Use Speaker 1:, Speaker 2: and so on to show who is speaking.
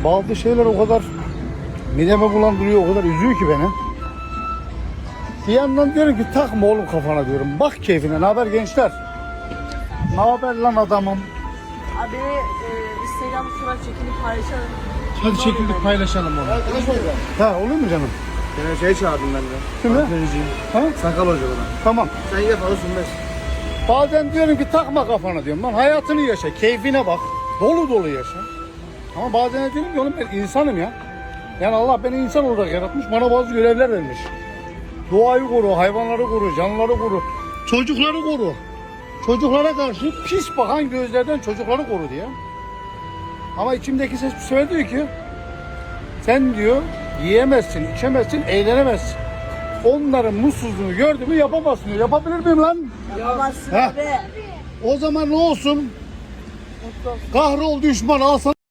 Speaker 1: Bazı şeyler o kadar mideme bulandırıyor, o kadar üzüyor ki beni. Bir yandan diyorum ki takma oğlum kafana diyorum. Bak keyfine. Ne haber gençler? Ne haber lan adamım?
Speaker 2: Abi Instagram surat çekilip paylaşalım.
Speaker 3: Hadi çekildik paylaşalım onu.
Speaker 4: Arkadaş olacağım.
Speaker 1: Ha olur mu canım?
Speaker 4: Seni şey çağırdım ben de.
Speaker 1: Şimdi?
Speaker 4: Antrenörcüyüm.
Speaker 1: Ha?
Speaker 4: Sakal hoca bana.
Speaker 1: Tamam.
Speaker 4: Sen ye falan sünmez.
Speaker 1: Bazen diyorum ki takma kafana diyorum. Lan hayatını yaşa, keyfine bak. Dolu dolu yaşa. Ama bazen de diyorum ki oğlum ben insanım ya. Yani Allah beni insan olarak yaratmış, bana bazı görevler vermiş. Doğayı koru, hayvanları koru, canlıları koru, çocukları koru. Çocuklara karşı pis bakan gözlerden çocukları koru diye. Ama içimdeki ses bir sefer diyor ki sen diyor yiyemezsin, içemezsin, eğlenemezsin. Onların mutsuzluğunu gördün mü yapamazsın diyor. Yapabilir miyim lan?
Speaker 2: Yapamazsın
Speaker 1: Ha.
Speaker 2: abi.
Speaker 1: O zaman ne olsun? Kahrol düşman al sana.